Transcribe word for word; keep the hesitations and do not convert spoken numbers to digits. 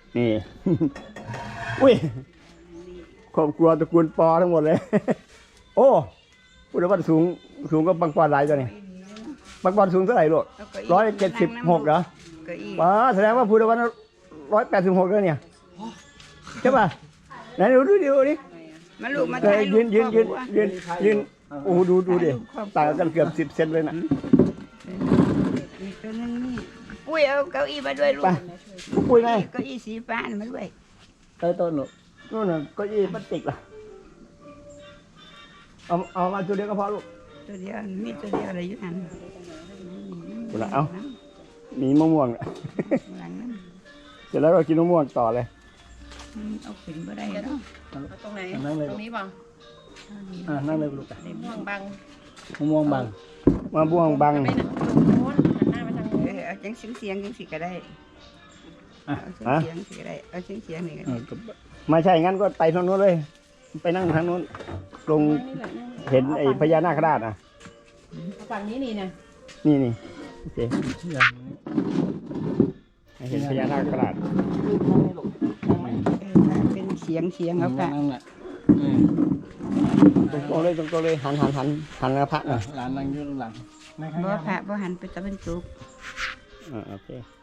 นี่ อุ้ยครอบครัวตระกูลปอทั้งหมดเลย โอ้พูดว่าสูงสูงก็บางปอนหลายตัวนี่บางปอนสูงเท่าไหร่ลูกร้อยเจ็ดสิบหกเหรอว้าแสดงว่าพูดว่าร้อยแปดสิบหกแล้วเนี่ยใช่ป่ะไหนดูดูดิดูดิมาลูกมาถ่ายรูยืปนยืนยืนยืนยืนโอ้ดูดูดิต่างกันเกือบสิบเซนเลยนะมีตัวนึงนี่ปุ้ยเอาเก้าอี้มาด้วยลูกไปปุ้ยไงเก้าอี้สีฟ้ามาด้วยเออต้นหนูนู่นน่ะเก็ยี่พลาสติกล่ะเอาเอามาตัวเดียวก็พอลูกตัวเดียวมีตัวเดียวอะไรอยู่นั่นกูละเอามีมะม่วงน่ะหลังนั้นเสร็จแล้วก็กินมะม่วงต่อเลยเอาขึ้นบ่ได้เนาะตรงไหนนั่งเลยตรงนี้ป่ะอ่านั่งเลยลูกม่วงบังมะม่วงบังมะม่วงบังไปนะตรงโน้นหันหน้ามาทางเอโน้นอเอาจังเสียงเสียงจังสิก็ได้อ่ะเอาฮะเสียงสิก็ได้เอาเสียงเสียงนี่ก็เอได้อก็ไม่ใช่งั้นก็ไปทางโน้นเลย ไปนั่งทางโน้นลงนี่แหละนั่งเห็นไอ้พญานาคราชอ่ะฝั่งนี้นี่นะนี่นี่โอเคเห็นพญานาคราชเออถ้าเป็นเสียงเสียงเอาค่ะนั่งน่ะตรงๆเลยตรงๆเลยหันหันหันหันกระพระหน่อยหลานนั่งอยู่ข้างหลังบ่พระบ่หันไปตะวันตกอ่าโอเค